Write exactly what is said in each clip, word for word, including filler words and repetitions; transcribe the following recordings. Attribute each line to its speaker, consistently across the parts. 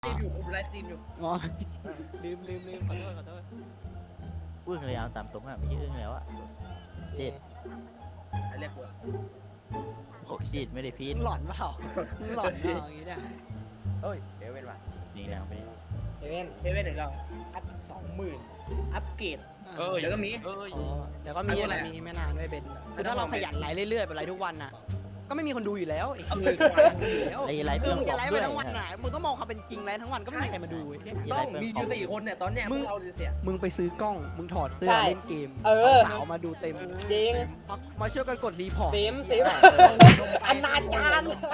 Speaker 1: สตรีมอยู่ผมไลฟ์สตรีมอยู่
Speaker 2: อ๋อลืมลืมลืมขอโทษขอโทษ
Speaker 3: อึ้งเลยเอาตามตรงอ่ะไม่ใช่อึ้งแล้วอ่ะเจ็ด
Speaker 1: เรียกกู
Speaker 3: โอ้จิตไม่ได้พีด
Speaker 2: มึงหลอนเปล่ามึงหลอนเปล่าอย่างงี้เนี่ย
Speaker 4: เฮ้ยเอเว่นว่ะ
Speaker 3: นี่แล้วไป
Speaker 5: เอเว่น
Speaker 1: เอเว่นหนึ่งเราอัพสองหมื่นอัพเกรด
Speaker 2: เออ
Speaker 1: เดี๋ยวก็มี
Speaker 4: เอ้ย
Speaker 2: อ๋อเดี๋ยวก็มีอะไรมีไม่นานด้วยเบนคือถ้าเราขยันไลฟ์เรื่อยๆไปไลฟ์ทุกวันน่ะก็ไม่มีคนดูอยู่แล้วไอ้
Speaker 1: เอา
Speaker 2: คือ
Speaker 1: เลย
Speaker 3: ไอ้ไร
Speaker 2: คื
Speaker 3: เพื่
Speaker 2: อ
Speaker 3: อน
Speaker 2: มึง
Speaker 3: บอ
Speaker 2: จะ
Speaker 3: ก
Speaker 2: ไลฟ์
Speaker 3: ด้
Speaker 2: ไป
Speaker 3: วย
Speaker 2: ทั้งวันน่ะมึงต้องมองความเป็นจริงไลฟ์ทั้งวันก็ไม่มีใครมาดูเว้ย
Speaker 1: ต้องมีอยู่สี่คนเนี่ยตอนเนี้ยพวกเราเสีย
Speaker 2: มึงไปซื้อกล้องมึงถอดเสื้อเล่นเกม
Speaker 5: เออ
Speaker 2: สาวมาดูเต็ม
Speaker 5: จริง
Speaker 2: มามาช่วยกันกดรีพอร์ต
Speaker 5: เซมเซมอนาจาร
Speaker 1: ลงไป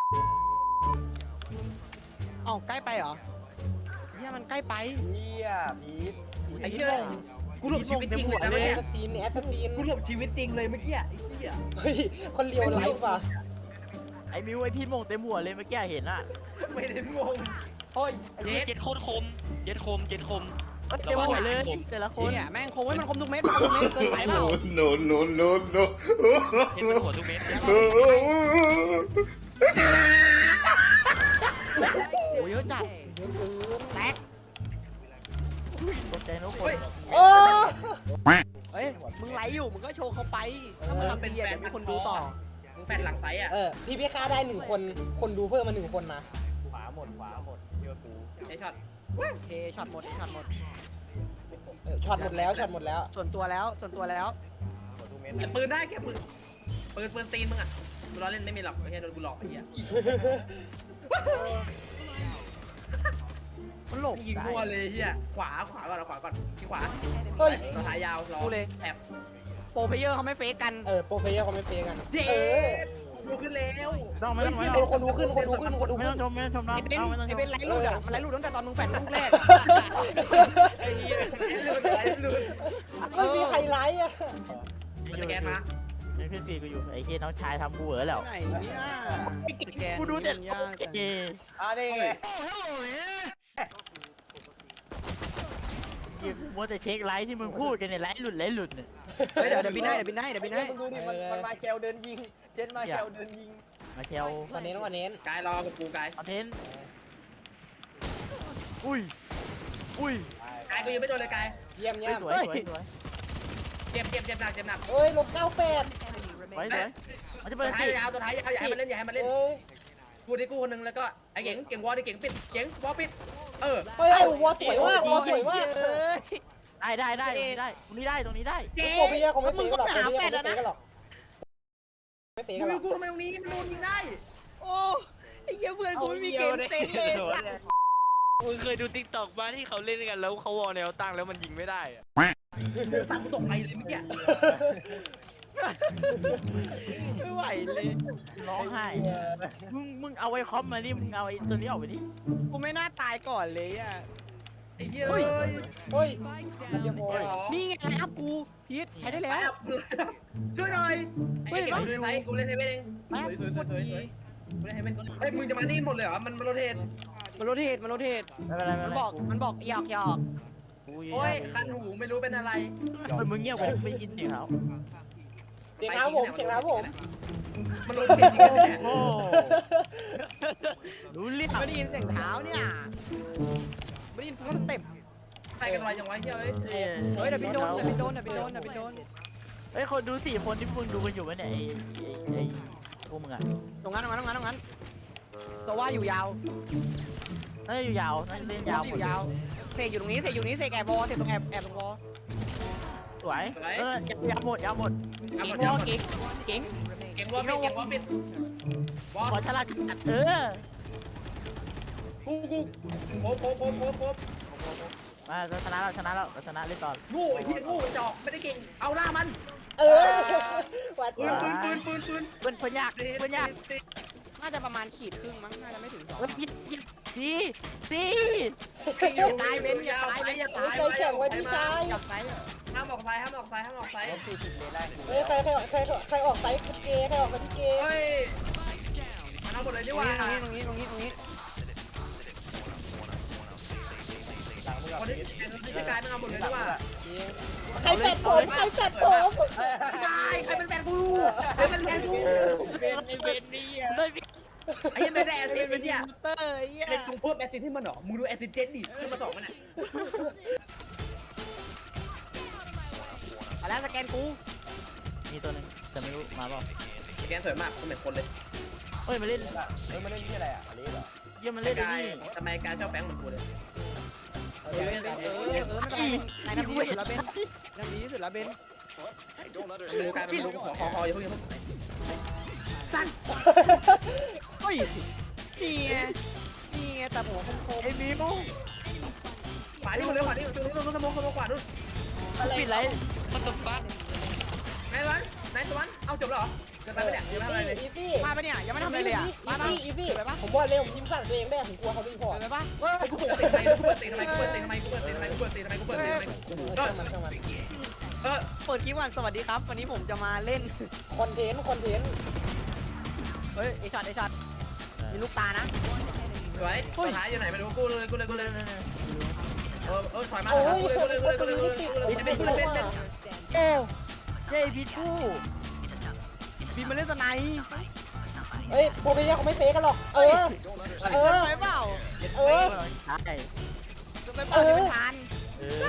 Speaker 2: เอ้าใกล้ไปเหรอเนี่ยมันใกล้ไป
Speaker 4: เฮียพีท
Speaker 1: ไอ้เหี้ยกูหลบชีวิตจริงเลยนะ
Speaker 5: แอ
Speaker 1: เมื่อ
Speaker 5: ส
Speaker 1: กี้
Speaker 5: ซัสซินแอสซัสซิน
Speaker 1: กูหลบชีวิตจริงเลยเมื่อกี้ไอ้เหี้ย
Speaker 5: เฮ้ยคนเลียวไลฟ์ว่ะ
Speaker 3: ไอ้มิวไอ้พีดโมงเต็มหัวเลยเมื่อกี้เห็นอ่ะ
Speaker 1: ไม่ได้งง
Speaker 4: เฮ้ย
Speaker 6: เจ็ดเจ็ดโคตรคมเจ็ดคมเจ็ดคม
Speaker 3: เต็มหัวเลยแต่ละคน
Speaker 2: เนี่ยแม่งคงไว้มันคมทุกเม็ดมันคมทุกเม็ดเกินไปเปล่า
Speaker 7: no no no no
Speaker 6: เห็นมันหัวทุกเม็ด
Speaker 2: โอ้ยเยอะจัดแตก
Speaker 3: ตกใจทุกคน
Speaker 5: โอ้
Speaker 2: เอ้ยมึงไลฟ์อยู่มึงก็โชว์เขาไปถ้ามึงทำดีอะเดี๋ยวมีคนดูต่อ
Speaker 1: มึงแฟนหลังไซอ่ะ
Speaker 5: เออพี่พี่ค่าได้หนึ่งคนคนดูเพิ่มมาหนึ่งคนนะ
Speaker 4: ขวาหมดขวาหมดเยอะกู
Speaker 1: ไอ้ช็อต
Speaker 2: เทช็อตหมดช็อตหมด
Speaker 5: เออช็อตหมดแล้วช็อตหมดแล้ว
Speaker 2: ส่วนตัวแล้วส่วนตัวแล้ว
Speaker 4: หมดทุกเม็ด
Speaker 1: เก็บปืนได้เก็บปืนปืนปืนตีนมึงอ่ะกูล้อเล่นไม่มีหรอกไม่ใช่โดนกูหลอกไอ้เหี้ย
Speaker 2: มันหลบ
Speaker 1: ยิงมั่วเลยเหี้ยขวาขวาก่อนขวาก่อนที่ขวา
Speaker 5: เฮ้ย
Speaker 1: ตัวท้ายยาวรอแอบ
Speaker 2: โปรเพลเยอร์เขาไม่เฟกกัน
Speaker 5: เออโปรเฟเยอร์เขาไม่เฟกัน
Speaker 1: เย้
Speaker 5: เออ
Speaker 1: ดูขึ้นแล้ว
Speaker 3: ต้องไม่ต้องไม่
Speaker 5: เฮ้ย
Speaker 3: ต้อง
Speaker 5: คนดูขึ้นคนดูขึ้นคนดู
Speaker 3: ไม่
Speaker 5: ขึ้
Speaker 3: ต้อน งชมไม่ต้องชมน้อง
Speaker 2: ไอ้เบน
Speaker 3: เอาไม่ต้องช
Speaker 2: ไอ้
Speaker 3: ม
Speaker 2: เบนไลฟ์รูดอ่ะมันไลฟ์รูดตั้งแต่ตอนมึงแฟนลูกแรก
Speaker 1: ไอ้เหี้ยลื่นลื่น
Speaker 5: ไม่มีใครไลฟ์อ่ะ
Speaker 1: มันจะแกนมา
Speaker 3: ยังขึ้นฟีดกูอยู่ไอ้เคียน้องชายทำกูเหรอแล้ว
Speaker 2: ไหนเนี่ยสแกน
Speaker 3: กูดูแต่
Speaker 2: ยากจัง
Speaker 3: เอ
Speaker 4: อ่ะนี่ไง
Speaker 3: ยิงมัวแต่เช็คไลท์ที่มึงพูดกันเนี่ยไลท์หลุดไลท์หลุดเนี่ย
Speaker 2: เฮ้ยเดี๋ยวเดี๋ยวบินให้เดี๋ยวบินให้เดี๋ยวบินให้
Speaker 4: มึงดูดิมันมันมาแคลเดินยิงเจนมาแคลเดินยิง
Speaker 3: มาเชล
Speaker 5: วันนี้ต้องวันนี้
Speaker 1: กายรอกับกูกาย
Speaker 3: คอนเทนต์อุ้ยอุ้ย
Speaker 1: กายกูยังไม่โดนเลยกาย
Speaker 5: เยี่ยม
Speaker 3: ส
Speaker 5: เยี่ยม
Speaker 3: วยสวยสวย
Speaker 1: เจ็บเจ็บเจ็บหนักเจ็บหนัก
Speaker 5: เอ้ยลบเก้าแปด
Speaker 3: สวยสวยมันจะ
Speaker 1: ตั
Speaker 3: เปิ
Speaker 1: ว
Speaker 3: ด
Speaker 1: ท้าย
Speaker 3: สิ
Speaker 1: ยาวตัวท้ายยาวอย่าให้มันเล่นอย่าให้มันเล่น
Speaker 5: เอ้ย
Speaker 1: กูที่กูคนนึงแล้วก็ไอ้เก่งเก่งวอลดิเก่งปิดเก่งวอลปิดเออ
Speaker 5: เฮ้ยวัวสวยมากวัวสวยมาก
Speaker 3: ได้ได้ได้ได้ตรงนี้ได้ตรงนี้ได้
Speaker 1: เก่ง
Speaker 5: โปรเฟเยอร์เขาไม่เฟกันหรอกโปรเฟเยอร์เขาไม่เฟกันหรอกไม่เฟ
Speaker 1: กู
Speaker 5: กันหรอก
Speaker 1: กูทำไมตรงนี้มันโดนยิงได้
Speaker 2: โอ้ไอ้เหี้ยเพื่อนกูไม่มีเกมเซ็นเลยสัตว์
Speaker 6: มึงเคยดูติ๊กต็อกบ้านที่เขาเล่นกันแล้วเขาวอลแนวตั้งแล้วมันยิงไม่ได้อะ
Speaker 1: สั่งกูตกไปเลยเมื่อกี้
Speaker 2: ไม่ไหวเลย
Speaker 3: ร้องไห้มึงมึงเอาไอ้คอมมาดิมึงเอาไอ้ตัวนี้ออกไปดิ
Speaker 2: กูไม่น่าตายก่อนเลยอ่ะ
Speaker 1: ไอ้เหี้ยเอ้ย
Speaker 5: เฮ้ยมันเรียบร้อย
Speaker 2: นี่ไงครับกูพีทใช้ได้แล้ว
Speaker 1: ช่วยหน่อยไอ้เก่งช่วยไซกูเล่นให้ไม่เอง
Speaker 2: แป๊บโคตรดี
Speaker 1: กูเล่นให้เป็นเฮ้ยมึงจะมานี่หมดเลยเหรอมันมันโรเทต
Speaker 2: มันโรเทตมันโรเทต
Speaker 3: ไม่เป็นไรไม่
Speaker 2: มั
Speaker 3: เป็น
Speaker 2: น
Speaker 3: ไร
Speaker 2: บอกมันบอกหยอกหยอก
Speaker 1: โอ้ยคันหูไม่รู้เป็นอะไร
Speaker 3: เฮ้ยมึงเงียบไปไม่ยินเสียงเขา
Speaker 5: เสียงน้ำผมเสียงน้ำผม
Speaker 1: มันโรเทตจริงๆเนี่ย
Speaker 3: โอ้รู้เรื่อง
Speaker 2: ไม่ได้ยินเสียงเท้าเนี่ยไม่ได้ยินฟุตสเต็ป
Speaker 1: ใส่กันไว้ยังไงเฮ้ย
Speaker 3: เฮ้ย
Speaker 2: เฮ้ยเดี๋ยวพี่โดนเดี๋ยวพี่โดนเดี๋ยวพี่โดนเดี๋ยวพี่โดน
Speaker 3: เฮ้ยคนดูสี่คนที่มึงดูกันอยู่ไหมเนี่ยไอ้ไอ้ไอ้พวกมึงอะ
Speaker 2: ตรงนั้นตรงนั้นตรงนั้นตรงนั้นตัวว่าอยู่ยาว
Speaker 3: น่าจะอยู่ยาวน่าจะเล่นยาว
Speaker 2: อยู่ยาวเสกอยู่ตรงนี้เสกอยู่นี้เสกแอบบอลเสกตรงแอบแอบตรงบอล
Speaker 3: สวยเออยาวหมดยาวหมด
Speaker 1: เอา
Speaker 3: เก่
Speaker 1: หม
Speaker 3: ง
Speaker 1: ดเอาหมด
Speaker 3: เก่งเก่ง
Speaker 1: เก่งวอลปิดเก่งวอลปิดวอล
Speaker 3: ขอฉลาดจัดเออ
Speaker 1: กูกูโป๊ะโป๊ะโป๊ะโป๊ะโป๊ะ
Speaker 3: มาเราชนะแล้วชนะแล้วเราชนะเล่นต่อ
Speaker 1: งูไอ้ที่งูจอกไม่ได้เก่งเอาล่ามัน
Speaker 5: เออวัด
Speaker 1: ปืนปืนปืนปืนปืน
Speaker 3: เพื่อนเพื่อนยากเพื่อนยาก
Speaker 2: น่าจะประมาณขีดครึ่งมั้งน่าจะไม่ถึงสอง
Speaker 3: เฮ้ยพิษพิษสี่สี่
Speaker 2: อย่าตายเบนอย่าตายเบนอย่าตาย
Speaker 5: ใจแข็งไว้พี่ชาย
Speaker 2: อย่าตาย
Speaker 1: ห้ามออกซ้ายห้ามออกซ้ายห้ามออกซ้าย
Speaker 4: ลบสี่สิบเลยได้
Speaker 5: เฮ้ยใครใครใครใครออกไซส์เกย์ใครออกเป็นเกย์
Speaker 1: เฮ้ยมันเอาหมดเลย
Speaker 2: ต
Speaker 1: ดี
Speaker 2: รง
Speaker 1: กว่า
Speaker 2: นี้ตรงนี้ตรงนี้ตรงนี้
Speaker 4: หลังมึงกับ
Speaker 1: คนที่ที่จะกลายเป็นเอาหมดเลยดีกว่า
Speaker 5: ใครแฟดผมใครแฟดผม
Speaker 1: กายใครเป็นแฟนกูใครเป็นแฟนกู
Speaker 6: เป็นไอเวนนี่อ่ะ
Speaker 3: เลยพิษ
Speaker 1: ไอ้ยังไม่ได้แอสซิสต์
Speaker 2: เป็
Speaker 1: ไอ้
Speaker 2: น
Speaker 1: เนี่ย
Speaker 2: มอเตอร์ไอ้เหี้ย
Speaker 1: เป็นจงเพิ่มแอสซิสต์ให้มันเหรอมึงดูแอสซิสต์เจ็ดดิขึ้นมาสองมันอ่ะ
Speaker 2: เอาแล้วสแกนกู
Speaker 3: มีตัวหนึงแต่ไม่รู้มาเปล่า
Speaker 1: แกนสวยมากเหมือนคนเลย
Speaker 3: เฮ้ยมาเล่น
Speaker 4: เฮ้ยมาเล่นที่อะไรอ่ะอันนี้เหรอ
Speaker 3: เยี่ยมมันเล่นไอ้
Speaker 1: กาย
Speaker 3: นี่
Speaker 1: ทำไมกายชอบแฟงเหมือนกูเลย
Speaker 4: เอ
Speaker 2: เอ
Speaker 4: อ
Speaker 2: อ
Speaker 4: เล่น
Speaker 2: เอ
Speaker 4: กัน
Speaker 2: อเออเออไม่เป็นไรนายทำดีที่สุดแล้วเบนทำดีที่สุดแล้วเบน
Speaker 1: ดูกายเป็นลูกขอคอคออย่าเพิ่งอย่าเพิ่งสั้น
Speaker 2: เฮ้ยนี่ไงนี่ไงแต่หัวคม
Speaker 3: ไอ้บีม
Speaker 1: ขวานี่มันเร็วขวานี่ตรงนู้นตรงนู้นสมองสมองขวานู้น
Speaker 3: ปิดไร
Speaker 6: มันตัวฟัก
Speaker 1: นายวันนายสวรรค์เอาจบแล้วเหรอเกินไปปะเนี่ยยังไม่ทำอะไรเลย
Speaker 4: อีซี่
Speaker 2: ๆมาปะเนี่ยยังไม่ทำอะไรเลยอ่ะ
Speaker 4: อี
Speaker 2: มาปะ
Speaker 4: ซี่อีซี่
Speaker 2: ไปปะ
Speaker 4: ผมบอกเลยผมยิ้มสั่นตัวเองได้ผมกลัวเขาพี่พอ
Speaker 2: ไปปะ
Speaker 1: ไอ้กูเปิดตีทำไมกูเปิดตีทำไมกูเปิดตีทำไมกูเปิดตีทำไมกูเปิดตีทำไมกูเปิดตีทำไม
Speaker 4: เออมันมัน
Speaker 1: เออ
Speaker 2: เปิดคลิปวันสวัสดีครับวันนี้ผมจะมาเล่น
Speaker 4: คอนเทนต์คอนเทนต์
Speaker 2: เฮ้ยไอช็อตไอช็อตมีลูกตานะ
Speaker 1: สวยตัวท้ายอยู่ไหนไปดูกูเลยกูเลยกูเลยเออเออถอยมาถ
Speaker 4: โอ้
Speaker 1: อย
Speaker 4: ย
Speaker 1: มากูเลยกูเลยกูเลยกูเลยกูเลยกูเลยเป็นกูเลยเป็นเป็น
Speaker 3: โอ้เย้พีทู
Speaker 2: บีมมาเล่นสไนป์
Speaker 4: เฮ้ยพวกนี้เขาไม่เฟกกันหรอกเออ เออ
Speaker 2: ไปเปล่า
Speaker 4: เออ
Speaker 3: ใช่
Speaker 2: ไปเปล่าที่เป็นทาน
Speaker 3: เออ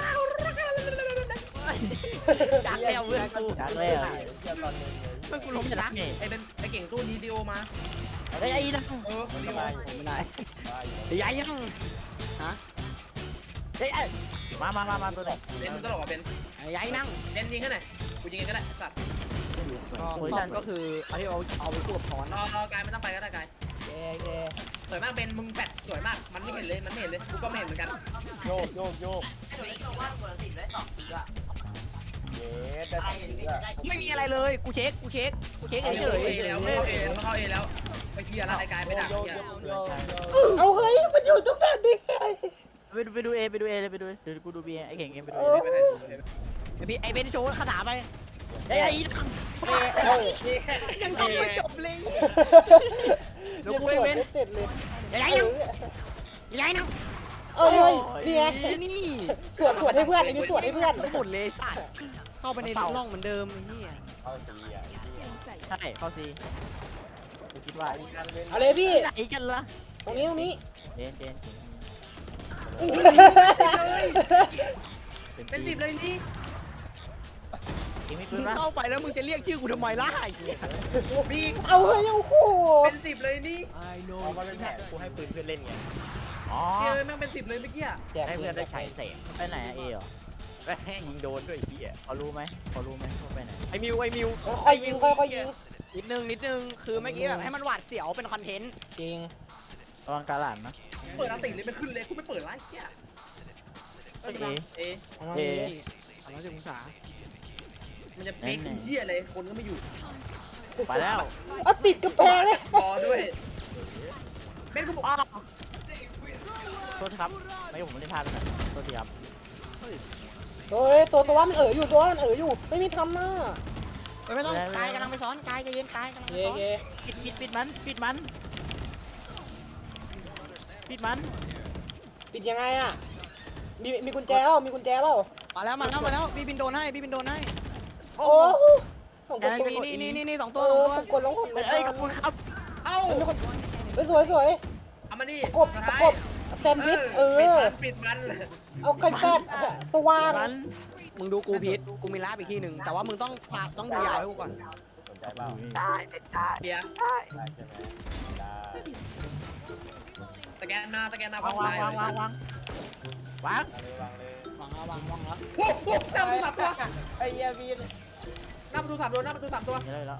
Speaker 2: จากแล้วเพื่อนกู
Speaker 3: จากแล้ว
Speaker 4: เดี๋ยวตอนนึงเลย
Speaker 2: เพื่อนกูล้มชนะ
Speaker 3: นี่
Speaker 1: ไอ้เป็นไอ้เก่งตู้ดีดีโอมา
Speaker 3: ไอ้ไอ้นะ
Speaker 1: เออดีโอ
Speaker 2: ไม่ได้ไอ้ยัยยังฮะ
Speaker 3: ไอ้ไอ้มามามามาตัวไหน
Speaker 1: เล่นมึงตลกอ่ะเป็น
Speaker 2: ไอ้ยัยนั่ง
Speaker 1: เล่นยิงแค่ไหนกูยิงเองก็ได้สัตว์
Speaker 2: ก็ซ่อมก็คือเอาที่เอาเอาไปควบถอน
Speaker 1: รอรอกายไม่ต้องไปก็ได้กาย
Speaker 4: เย่เย่
Speaker 1: สวยมากเป็นมึงแปดสวยมากมันไม่เห็นเลยมันไม่เห็นเลยกูก็ไม่เห็นเหมือนกัน
Speaker 4: โยกโยกโยกเย่ได้สองทีอ่ะ
Speaker 2: ไม่มีอะไรเลยกูเช็คกูเช็คกูเช็ค
Speaker 1: เขา
Speaker 2: เฉ
Speaker 1: เข้าย เอแล้วเขาเข้าเอแล้วเขาเข้าเอแล้วไปเพียร์แล้วไอ้กายไปด่า
Speaker 4: โยก
Speaker 1: เพีย
Speaker 4: โย
Speaker 1: ร์
Speaker 4: กโยกเอาเฮ้ยมันอยู่ตรงนั้นดิไง
Speaker 3: ไปดูไปดูเอไปดูเอเลยไปดูเดี๋ยวกูดูบีไอ้เก่งเองไปดู
Speaker 4: เอ
Speaker 3: เอ
Speaker 4: อ
Speaker 2: ไอพี่ไอเบนโชว์คาถาไป
Speaker 3: ไอ้ไอ้
Speaker 4: เออ
Speaker 2: ยังต้องไม่จบเลย
Speaker 4: เดี๋ยวกูเว้นเสร็จเลย
Speaker 2: ไอ้ยัยนั่งไอ้ยัยนั่ง
Speaker 4: เอ้ยนี่ไง
Speaker 2: นี่
Speaker 4: สวดสวดให้เพื่อนอันนี้สวดให้เพื่อน
Speaker 2: หมดเลยสัตว์เข้าไปในร่องเหมือนเดิมไอ้เหี้ย
Speaker 4: เอาสีอ่ะ
Speaker 3: ใช่เข้าซีกูคิดว่า
Speaker 4: เอาเลยพี่
Speaker 3: ไหนกันล่ะ
Speaker 4: ตรงนี้ตรงนี้
Speaker 3: เจนเจน
Speaker 1: เป็นสิบเลยนี่
Speaker 3: เก่งไม่
Speaker 2: มึ
Speaker 3: ปืน
Speaker 2: ง
Speaker 3: ปะ
Speaker 2: เข้าไปแล้วมึงจะเรียกชื่อกูทำไมล่ะไอ้เหี้ย
Speaker 1: บี
Speaker 4: เอาเฮ้ยโอ้โห
Speaker 1: เป็นสิบเลยนี่
Speaker 4: เอามาเป็นแผนกูให้ปืนเพื่อนเล่นไง
Speaker 3: อ๋อ
Speaker 1: เชี่ยแม่งเป็นสิบเลยเมื่อกี้
Speaker 3: ให้เพื่อนได้ใช้เสกไปไหนอะเอเหรอ
Speaker 4: ยิงโดนด้วยพี่อ่ะ
Speaker 3: เขารู้ไหมเขารู้ไหมว่าไปไหน
Speaker 4: ไอ้มิวไอ้มิวค่อยยิงค่อยยิง
Speaker 2: นิดนึงนิดนึงคือเมื่อกี้แบบให้มันหวาดเสียวเป็นคอนเทนต์
Speaker 4: จริง
Speaker 3: ระวังกาหลานนะ
Speaker 1: เปิดอันติเลยไม่ขึ้นเลยกูไม่เปิดไลฟ์เชี่ย
Speaker 3: เอ
Speaker 1: เอ
Speaker 3: เอ
Speaker 2: สามร้อยสิบองศา
Speaker 1: มันจะเฟกเชี่ยอะไรคนก็ไม่อยู่
Speaker 3: ไปแล้ว
Speaker 4: อ่ะติดกำแพงเลย
Speaker 1: รอด้วยเบนกูบอก
Speaker 3: โทษครับไม่ผมไม่ได้พลาดไปนะโทษทีครับ
Speaker 4: เฮ้ยตัวตัวมันเอ๋ออยู่ตัวมันเอ๋ออยู่ไม่มีทำหน้า
Speaker 2: ไม่ต้องกายกำลังไปซ้อนกายใจเย็นกายกำลังไป
Speaker 4: เย่
Speaker 2: ซ้อน
Speaker 4: เย่
Speaker 3: ปิดปิดปิดมันปิดมันปิดมัน
Speaker 4: ปิดยังไงอ่ะมีมีกุญแจเปล่ามีกุญแจเปล่า
Speaker 2: มาแล้วมาแล้วมาแล้วพี่บินโดนให้พี่บินโดนให้
Speaker 4: โอ้ผมกด
Speaker 2: นี่นี่นี่นี่นี่สอง
Speaker 4: เอ
Speaker 2: ตัวสอง
Speaker 4: อ
Speaker 2: ตัว
Speaker 4: ผมกดลงผม
Speaker 3: เอ้ยขอบคุณครับ
Speaker 1: เอ้า
Speaker 4: เฮ้ยสวยสวย
Speaker 1: เอามาดิ
Speaker 4: กบกบแซนด์วิชเออ
Speaker 1: ปิดมัน
Speaker 4: เอาไก่แฟดสว่าง
Speaker 3: มัน
Speaker 2: มึงดูกูพิษกูมีลาบอีกที่หนึ่งแต่ว่ามึงต้องพาต้องดูยาให้กูก่อน
Speaker 4: สนใจเปล่า
Speaker 1: เพีย
Speaker 4: ได้ใช่ไหมได้
Speaker 1: สแกนมาสแกนมา
Speaker 3: วางวางวางวางวางวาง
Speaker 4: วางเลยวางเลยว
Speaker 2: างแล้ววางวางแล้ว
Speaker 1: โอ้โหหน้าประตูสามตัว
Speaker 4: ไอ้เหี้ยวีน
Speaker 1: หน้าประตูสามตัวหน้าประตูสามตัว
Speaker 3: นี่เลยแล้ว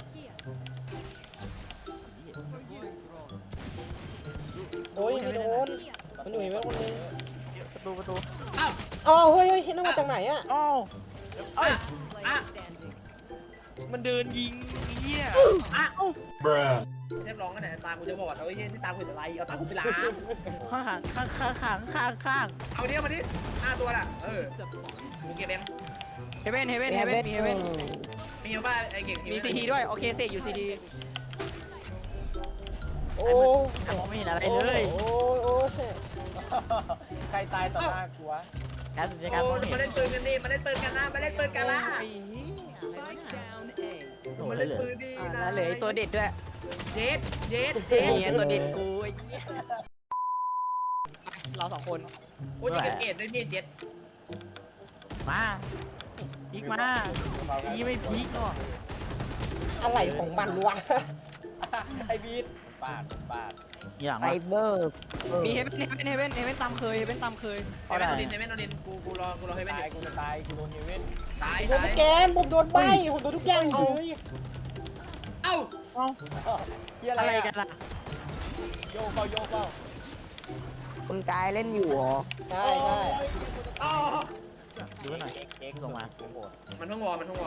Speaker 4: โอ้ยไม่โดนมันอยู่ไหนคนนึง
Speaker 3: ประตูประตู
Speaker 1: อ้าว
Speaker 4: อ๋อเฮ้ยเฮ้ยนั่นมาจากไหนอ่ะ
Speaker 3: อ้าว
Speaker 1: อ่ะอ่ะ
Speaker 6: มันเดินยิงเหี้ย
Speaker 1: อ่ะเรียบร้อยกันไหนตากูจะบอดเอาไอ้เหี้ยที่ตากูจะไรเอาตากูไปล้าง
Speaker 3: ข้างข้างข้างข้างข้างข้าง
Speaker 1: เอาเนี้ยมาดิห้าตัวน่ะเออกูเก็บเอง
Speaker 2: เฮเว่นเฮเว่นเฮเว่นมีเฮเว่น
Speaker 1: มีอยู่ป่ะไอ้เก่ง
Speaker 2: มีซีทีด้วยโอเคเสกอยู่ซีที
Speaker 4: โอ้
Speaker 3: มองไม่เห็นอะไร
Speaker 4: โอ้
Speaker 3: เลย
Speaker 4: โอ้โอ้ใครตายต่อหน้ากูวะ
Speaker 3: การสัญญาการ
Speaker 1: โอ้
Speaker 3: มองไม่
Speaker 1: มา
Speaker 3: เห็
Speaker 1: เล่
Speaker 3: น
Speaker 1: นปืนกันดิมาเล่นปืนกันนะมาเล่นปืนกันละ
Speaker 2: ไอ้เหี้ยอะไรวะเนี่ย
Speaker 3: โอ้
Speaker 1: มา
Speaker 3: โห
Speaker 1: เล่น
Speaker 3: เลย
Speaker 1: ปืนดิ
Speaker 2: อ่ะแล้วเหลือไอ้ตัวเด็ดด้วย
Speaker 1: เย็ดเย็ดเย็ด
Speaker 2: เนี่ยตัวเด็ดกูไอ้เหี้ยเราสองคน
Speaker 1: โอ้ยจะเกตด้วยพี่เจ็ด
Speaker 3: มาพีกมาพีไม่พีกเนาะ
Speaker 4: อะไรของมันวะไอ้บีดปาดปาด
Speaker 3: อย่าง
Speaker 5: ไฟ
Speaker 3: วะ
Speaker 5: เบอร์
Speaker 2: มีเฮเว่นเฮเว่นเฮเว่นเฮเว่นตามเคยเฮเว่นตามเคย
Speaker 1: เฮเว่นโดนดินเฮเว่นโดนดินกูกูรอกูรอเฮเว่นอยู่
Speaker 4: กูจะตายกูโดนเฮเว่น
Speaker 1: ตาย
Speaker 4: โดน
Speaker 1: ตาย
Speaker 4: แกนผมโดนใบผมโดนทุกอย่างเลย
Speaker 1: เอ้า
Speaker 4: เฮียอะ
Speaker 3: อะไร ไร
Speaker 4: กั
Speaker 3: กัน นล่ะ
Speaker 4: โยกเปล่าโยกเปล่า
Speaker 5: คุณกายเล่นอยู่เหรอ
Speaker 4: ใช่ใช่
Speaker 1: อ๋อ
Speaker 3: ดูหน่อย
Speaker 4: เอ็กเอ็ก
Speaker 3: ส่งมา
Speaker 1: มันทั้งวอมันทั้งวอ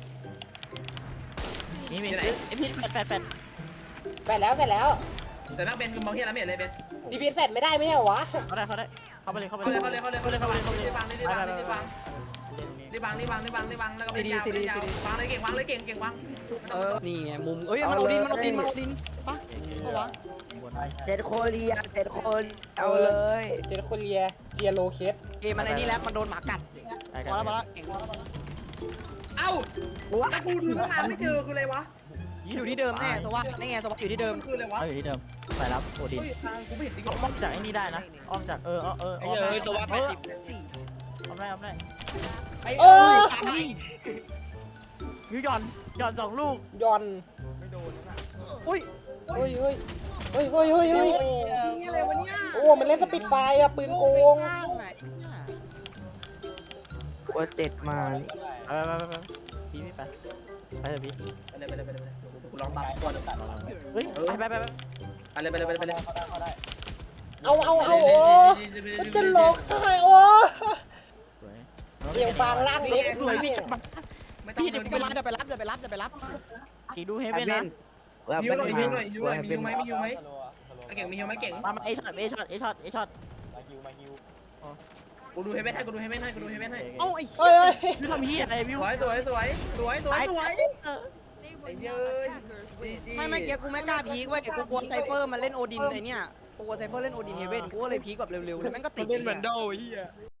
Speaker 3: นี่มี
Speaker 1: ที่ไหน
Speaker 3: ไอพีแปดแปดแปด
Speaker 4: แปดแล้วแปดแล้ว
Speaker 1: แต่แม่งเป็นมองเฮียแล้วไม่เห็นเลยเป็น
Speaker 4: ดีพีเสร็จไม่ได้ไม่ใช่เหรอวะ
Speaker 3: เขาได้เขาได้เข้าไปเลยเข้าไป
Speaker 1: เขาเลยเขาเลยเขาเลยเขาเลยเขาเลยรีบวางรีบวางรีบวางรีบวางรีบวางรีบวางรีบวางแล้วก็ไปยาวไปยาววางเลยเก่งวางเลยเก่งเก่งวาง
Speaker 2: เออนี่ไงมุมเอ้ยมันโอดินมันโอดินมันโอดินปะปะวะ
Speaker 5: เจ็ดโคเรียเจ็ดคนเอาเลย
Speaker 4: เจนโคเรียเจียโลเคส
Speaker 2: เอมันไอ้นี่แล้วมันโดนหมากัดพอแล้วพอแล้วเก่ง
Speaker 1: เอ้าแล้วกูดูตั้งนานไม่เจอคืออะไรวะ
Speaker 2: อยู่ที่เดิมแน่สวัสดิ์นี่ไงสวัสดิ์อยู่ที่เดิม
Speaker 1: คืออะไรวะ
Speaker 3: เขาอยู่ที่เดิมไปรับโอดิน
Speaker 1: เฮ้ยทางกูไม่เห็นจริง
Speaker 3: อ้อมจากไอ้นี่ได้นะอ้อมจากเออเออเออ
Speaker 6: ไอ้เอ้ยตัวว่าแปดสิบ
Speaker 3: อ้อมได้อ้อมได้
Speaker 4: เออ
Speaker 3: ยูหย่อนหย่อนสองลูก
Speaker 4: ย่อน
Speaker 2: อุ้ย
Speaker 4: เฮ้ยเฮ้ยเฮ้ยเฮ้ยเฮ้ยเฮ้ย
Speaker 2: นี่อะไรวะเนี่ย
Speaker 4: โอ้มันเล่นสปิดไฟอะปืนโกง
Speaker 5: ตัวเจ็ดมานี่
Speaker 3: ไปไปไปไปพี่พี่ไปไปเถอะพี่
Speaker 1: ไปเลยไปเลยไปเลยกูลองตัดก่อน
Speaker 3: เฮ้ยไปไปไปไป
Speaker 1: ไปเลยไปเลยไปเลยไปเลย
Speaker 4: เอาเอาเอาโอ้มันจะหลอกได้โอ้
Speaker 3: สวย
Speaker 4: เดี๋ยวฟางล่างเล็ก
Speaker 3: สวยพี่
Speaker 1: ไม่ต้อง
Speaker 2: พี่
Speaker 1: เดิ
Speaker 2: เดี๋ยวน กูจะมาเดี๋ยวไปรับเดี๋ยวไปรับเดี๋ยวไปรับ
Speaker 3: อีดูเฮเว่นนะ
Speaker 1: ยูหน่อยยูหน่อยยูหน่อยมียูไหมมียูไหมเก่งมียูไหมเก่ง
Speaker 3: มามาเอช็อตเอช็อตเอช็อตเอช็อต
Speaker 1: กูดูเฮเว่นให้กูดูเฮเว่นให้กูดูเฮเว่นให้
Speaker 2: เอ้าไอ้
Speaker 4: เฮ้ยเฮ้ย
Speaker 3: พี่ทำเฮียอะไรพี่
Speaker 1: สวยสวยสวยสวยสวยสวย
Speaker 7: They were
Speaker 1: Ay,
Speaker 7: not
Speaker 1: ay.
Speaker 7: attackers.
Speaker 2: ไม่ไม่เกี้ยกูไม่กล้าพีกเว้ยกูกลัวไซเฟอร์มันเล่นโอดินไอเนี่ยกูกลัวไซเฟอร์เล่นโอดินเฮเว่นกูก็เลยพีกแบบเร็วๆแล้วแม่งก็ติ
Speaker 6: มั
Speaker 2: ด
Speaker 6: นเป็นเหมือนโดไอ้เหี้ย